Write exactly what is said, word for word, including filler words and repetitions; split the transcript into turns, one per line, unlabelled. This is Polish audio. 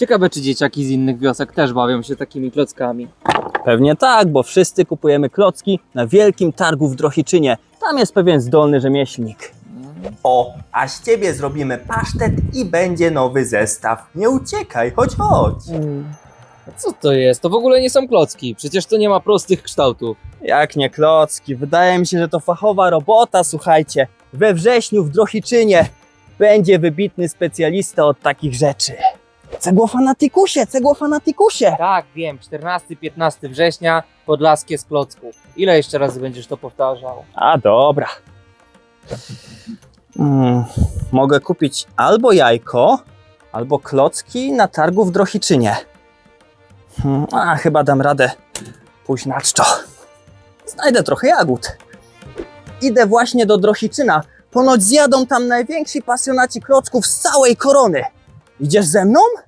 Ciekawe, czy dzieciaki z innych wiosek też bawią się takimi klockami.
Pewnie tak, bo wszyscy kupujemy klocki na wielkim targu w Drohiczynie. Tam jest pewien zdolny rzemieślnik.
O, a z ciebie zrobimy pasztet i będzie nowy zestaw. Nie uciekaj, chodź, chodź.
A co to jest? To w ogóle nie są klocki. Przecież to nie ma prostych kształtów.
Jak nie klocki, wydaje mi się, że to fachowa robota, słuchajcie. We wrześniu w Drohiczynie będzie wybitny specjalista od takich rzeczy. Cegłofanatikusie, cegłofanatikusie!
Tak, wiem. czternastego piętnastego września Podlaskie z klocków. Ile jeszcze razy będziesz to powtarzał?
A dobra. Mm, mogę kupić albo jajko, albo klocki na targu w Drohiczynie. Hmm, a chyba dam radę pójść na czczo. Znajdę trochę jagód. Idę właśnie do Drohiczyna. Ponoć zjadą tam najwięksi pasjonaci klocków z całej korony. Idziesz ze mną?